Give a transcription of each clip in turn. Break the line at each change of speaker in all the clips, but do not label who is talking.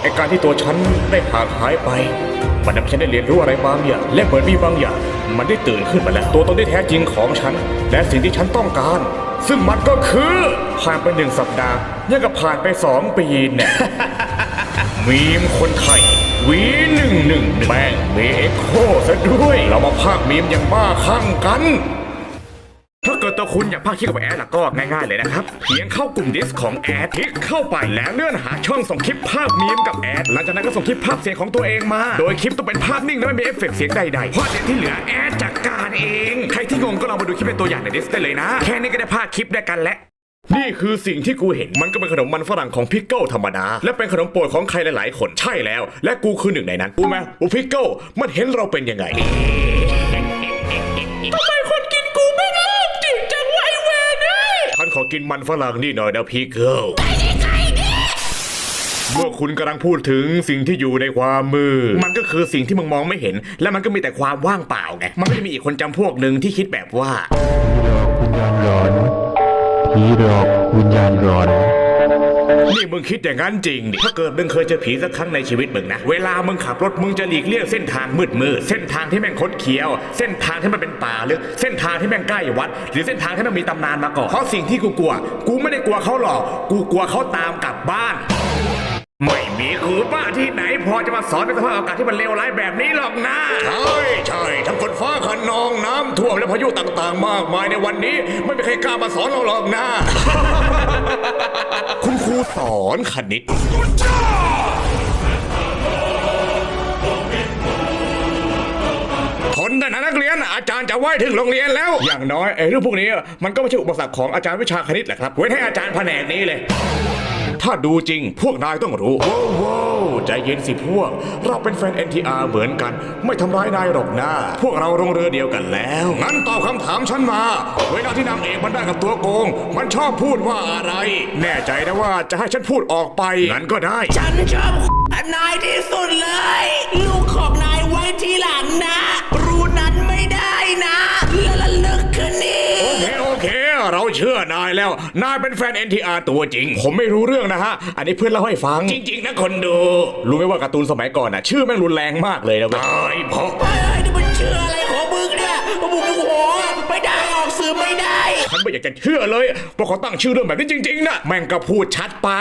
ไอการที่ตัวฉันได้ห่างหายไปมันทำให้ฉันได้เรียนรู้อะไรบางอย่างและเหมือนมีบางอย่างมันได้ตื่นขึ้นมาแล้วตัวตนที่แท้จริงของฉันและสิ่งที่ฉันต้องการซึ่งมันก็คือผ่านไป1 สัปดาห์ยังกับผ่านไป2 ปีเนี่ย มีมคนไทยV111แม่งมีเอ็กโคซะด้วยเรามาพากย์มีมอย่างบ้าคลั่งกันถ้าเกิดตัวคุณอยากพากย์คลิปกับแอดล่ะก็ง่ายๆเลยนะครับเพียงเข้ากลุ่มดิสของแอดคลิกเข้าไปแล้วเลื่อนหาช่องส่งคลิปภาพมีมกับแอดหลังจากนั้นก็ส่งคลิปภาพเสียงของตัวเองมาโดยคลิปต้องเป็นภาพนิ่งและไม่มีเอฟเฟกต์เสียงใดๆเพราะเดี๋ยวที่เหลือแอดจัดการเองใครที่งงก็ลองมาดูคลิปเป็นตัวอย่างในดิสได้เลยนะแค่นี้ก็ได้พากย์คลิปได้กันแล้วนี่คือสิ่งที่กูเห็นมันก็เป็นขนมมันฝรั่งของพิกเกิลธรรมดาและเป็นขนมโปรดของใครหลายๆคนใช่แล้วและกูคือหนึ่งในนั้นรู้ไหมว่าพิกเกิลมันเห็นเราเป็นยังไงทำไมคนกินกูไม่ได้จริงจังไว้เวนี่ฉันขอกินมันฝรั่งนี่หน่อยนะพิกเกิลเมื่อคุณกำลังพูดถึงสิ่งที่อยู่ในความมืดมันก็คือสิ่งที่มึงมองไม่เห็นและมันก็มีแต่ความว่างเปล่าไงมันก็จะมีอีกคนจำพวกหนึ่งที่คิดแบบว่า
ผีหลอกวิญญาณร้อน
นี่มึงคิดอย่างนั้นจริงดิถ้าเกิดมึงเคยเจอผีสักครั้งในชีวิตมึงนะเวลามึงขับรถมึงจะหลีกเลี่ยงเส้นทางมืดเส้นทางที่แม่งคดเคี้ยวเส้นทางที่มันเป็นป่าลึกเส้นทางที่แม่งใกล้วัดหรือเส้นทางที่มันมีตำนานมาก่อนเพราะสิ่งที่กูกลัวกูไม่ได้กลัวเขาหรอกกูกลัวเขาตามกลับบ้านไม่มีครูป้าที่ไหนพอจะมาสอนในสภาพอากาศที่มันเลวร้ายแบบนี้หรอกนะใช่ทั้งฝนฟ้าคะนองน้ำท่วมและพายุต่างๆมากมายในวันนี้ไม่มีใครกล้ามาสอนเราหรอกนะ คุณครูสอนคณิตทนได้นะนักเรียนอาจารย์จะไหว้ถึงโรงเรียนแล้วอย่างน้อยเรื่องพวกนี้มันก็ไม่ใช่อุปสรรคของอาจารย์วิชาคณิตแหละครับเว้นให้อาจารย์แผนกนี้เลยถ้าดูจริงพวกนายต้องรู้ว้าวใจเย็นสิพวกเราเป็นแฟน NTR เหมือนกันไม่ทำร้ายนายหรอกนะพวกเราลงเรือเดียวกันแล้วงั้นตอบคำถามฉันมาเวลาที่นางเอกมันได้กับตัวโกงมันชอบพูดว่าอะไรแน่ใจนะว่าจะให้ฉันพูดออกไปงั้นก็ได้
ฉันชอบนายที่สุดเลยลูกของนายไว้ทีหลังนะรู้นั้นไม่ได้นะและลึกคืนนี้
โอเคเราเชื่อนายแล้วนายเป็นแฟน NTR ตัวจริงผมไม่รู้เรื่องนะฮะอันนี้เพื่อนเล่าให้ฟังจริงๆนะคนดูรู้ไหมว่าการ์ตูนสมัยก่อนน่ะชื่อแม่งรุนแรงมากเลยนะเว้ยเพราะ
นี่มันชื่ออะไรของมึงเนี่ยบุกหัวไม่ได้ออกสื่อไม่ได้
ฉันไม่อยากจะเชื่อเลยเพราะเขาตั้งชื่อเรื่องแบบนี้จริงๆนะแม่งก็พูดชัดไป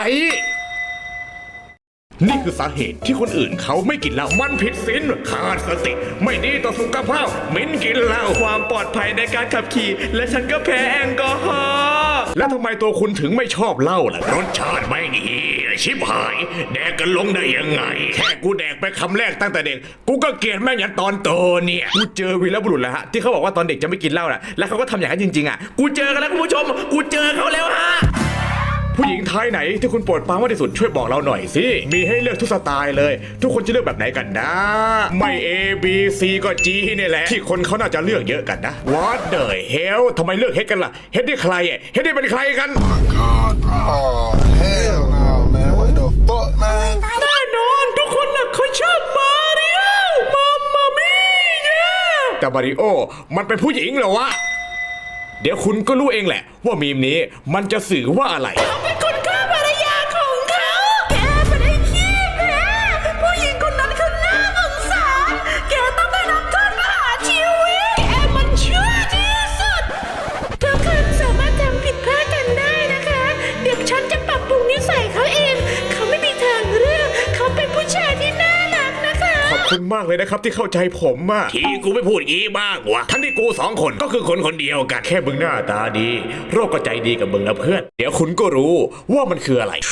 นี่คือสาเหตุที่คนอื่นเขาไม่กินเหล้ามันผิดศีลขาดสติไม่ดีต่อสุขภาพมิ้นกินเหล้า
ความปลอดภัยในการขับขี่และฉันก็แพ้แอลกอฮอล์
แล้วทำไมตัวคุณถึงไม่ชอบเหล้าล่ะรสชาติไม่ดีชิบหายแดกกันลงได้ยังไงแค่กูแดกไปคำแรกตั้งแต่เด็กกูก็เกลียดแม่งยันตอนโตเนี่ยกูเจอวีรบุรุษแล้วฮะที่เขาบอกว่าตอนเด็กจะไม่กินเหล้านะแล้วเขาก็ทำอย่างนั้นจริงๆอ่ะ
กูเจอกันแล้วคุณผู้ชมกูเจอเขาแล้วฮะ
ผู้หญิงไทยไหนที่คุณโปรดปรานมากที่สุดช่วยบอกเราหน่อยสิมีให้เลือกทุกสไตล์เลยทุกคนจะเลือกแบบไหนกันนะไม่ A B C ก็ G นี่แหละที่คนเขาน่าจะเลือกเยอะกันนะ What the hell ทำไมเลือกเฮดกันล่ะเฮดนี่ใครอ่ะเฮดนี่เป็นใครกัน
Oh hell no man what the fuck man
แน่นอนทุกคนน่ะเขาชอบมาริโอมามี่
แต่มาริโอมันเป็นผู้หญิงเหรอวะเดี๋ยวคุณก็รู้เองแหละว่ามีมนี้มันจะสื่อว่าอะไร
เขาเป็นคนฆ่าภรรยาของเขาแกเป็นไอ้ขี้แพ้ผู้หญิงคนนั้นคือน่าสงสารแกต้องได้รับโทษประหารชีวิตแกมันชั่วที่สุดทุกคนสามารถทำผิดพลาดกันได้นะคะเดี๋ยวฉันจะปรับปรุงนิสัยเขาเองเขาไม่มีทางเลือกเขาเป็นผู้ชายที่น่ารักนะคะ
ขอบคุณมากเลยนะครับที่เข้าใจผมอะที่กูไม่พูดงี้บ้างวะทั้งที่กูสองคนก็คือคนคนเดียวกันแค่มึงหน้าตาดีโรคก็ใจดีกับมึงนะเพื่อนเดี๋ยวคุณก็รู้ว่ามันคืออะไร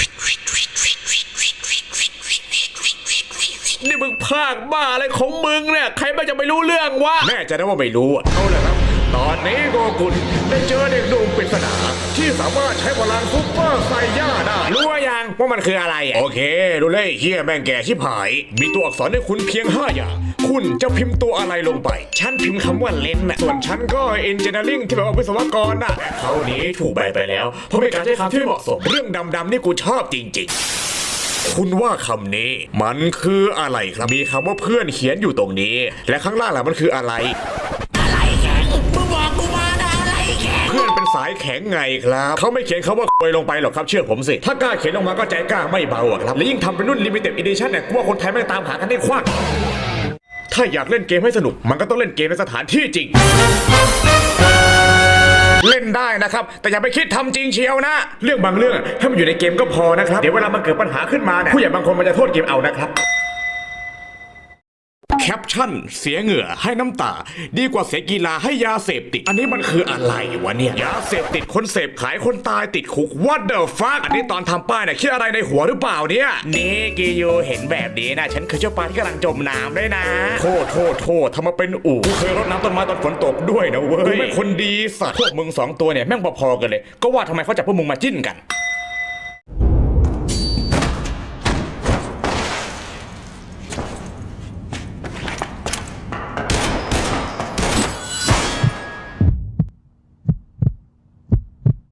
นี่มึงพากบ้าอะไรของมึงเนี่ยใครมันจะไม่รู้เรื่องวะ
แน่ใจนะว่าไม่รู้เอาละครับตอนนี้โกกุลได้เจอเด็กหนุ่มปริศนาที่สามารถใช้พลังซุปเปอร์ไซย่าได้รู้ยังว่ามันคืออะไรโอเคดูเลยเฮียแม่งแก่ชิบหายมีตัวอักษรให้คุณเพียง5อย่างคุณจะพิมพ์ตัวอะไรลงไปฉันพิมพ์คำว่าเลนน่ะส่วนฉันก็เอนจิเนียริ่งที่แปลว่าวิศวกรน่ะเขานี้ถูกใบไปแล้วเพราะเป็นการใช้คำที่ไม่เหมาะสมเรื่องดำๆนี่กูชอบจริงๆคุณว่าคำนี้มันคืออะไรครับมีคำว่าเพื่อนเขียนอยู่ตรงนี้และข้างล่างล่ะมันคืออะไร
อะไรแข็งมึงบอกกูมานะอะไรแข็ง
เพื่อนเป็นสายแข็งไงครับเขาไม่เขียนคาว่าควยลงไปหรอกครับเชื่อผมสิถ้ากล้าเขียนลงมาก็ใจกล้าไม่เบาอะครับและยิ่งทำเป็นรุ่น limited edition เนี่ยกลัวคนไทยไม่ตามหากันได้ควักถ้าอยากเล่นเกมให้สนุกมันก็ต้องเล่นเกมในสถานที่จริงเล่นได้นะครับแต่อย่าไปคิดทำจริงเชียวนะเรื่องบางเรื่องให้มันอยู่ในเกมก็พอนะครับเดี๋ยวเวลามันเกิดปัญหาขึ้นมาเนี่ยผู้ใหญ่บางคนมันจะโทษเกมเอานะครับแคปชั่นเสียเหงื่อให้น้ำตาดีกว่าเสียกีฬาให้ยาเสพติดอันนี้มันคืออะไรวะเนี่ยยาเสพติดคนเสพขายคนตายติดคุก What the fuck อันนี้ตอนทำป้ายเนี่ยคิดอะไรในหัวหรือเปล่าเนี่ยนี่กิโยเห็นแบบนี้นะฉันคือเจ้าปลาที่กำลังจมน้ำด้วยนะโทษทำมาเป็นอู่กูเคยรดน้ำต้นไม้ตอนฝนตกด้วยนะเว้ยกูเป็นคนดีสัตว์พวกมึง2ตัวเนี่ยแม่งพอๆกันเลยก็ว่าทำไมเขาจับพวกมึงมาจิ้นกัน